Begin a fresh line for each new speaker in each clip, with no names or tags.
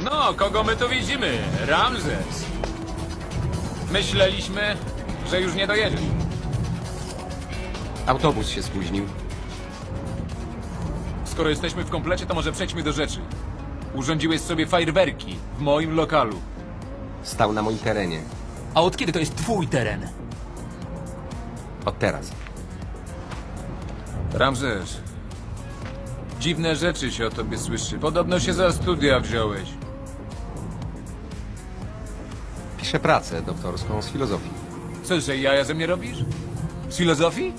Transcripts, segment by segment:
No, kogo my tu widzimy? Ramzes. Myśleliśmy, że już nie dojedziesz.
Autobus się spóźnił.
Skoro jesteśmy w komplecie, to może przejdźmy do rzeczy. Urządziłeś sobie fajerwerki w moim lokalu.
Stał na moim terenie.
A od kiedy to jest twój teren?
Od teraz.
Ramzes, dziwne rzeczy się o tobie słyszy. Podobno się za studia wziąłeś.
Piszę pracę doktorską z filozofii.
Co, że jaja ze mnie robisz? Z filozofii?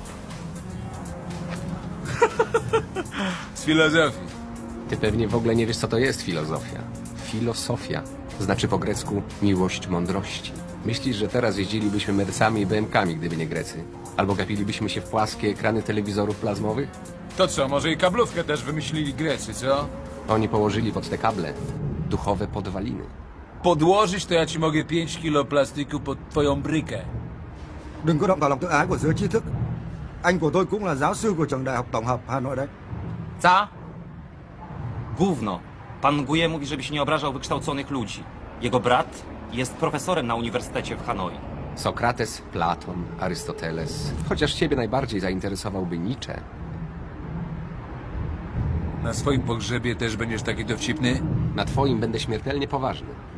Z filozofii.
Ty pewnie w ogóle nie wiesz, co to jest filozofia. Filosofia znaczy po grecku miłość mądrości. Myślisz, że teraz jeździlibyśmy Mercami i BMKami, gdyby nie Grecy? Albo gapilibyśmy się w płaskie ekrany telewizorów plazmowych?
To co, może i kablówkę też wymyślili Grecy, co?
Oni położyli pod te kable duchowe podwaliny.
Podłożyć to ja ci mogę 5 kilo plastiku pod twoją brykę.
Đừng có động vào lòng tự ái của giới trí thức. Anh của tôi cũng là giáo sư của trường Đại học Tổng hợp Hà Nội đấy.
Co? Gówno. Pan Nguje mówi, żeby się nie obrażał wykształconych ludzi. Jego brat jest profesorem na uniwersytecie w Hanoi.
Sokrates, Platon, Arystoteles. Chociaż ciebie najbardziej zainteresowałby Nietzsche.
Na swoim pogrzebie też będziesz taki dowcipny?
Na twoim będę śmiertelnie poważny.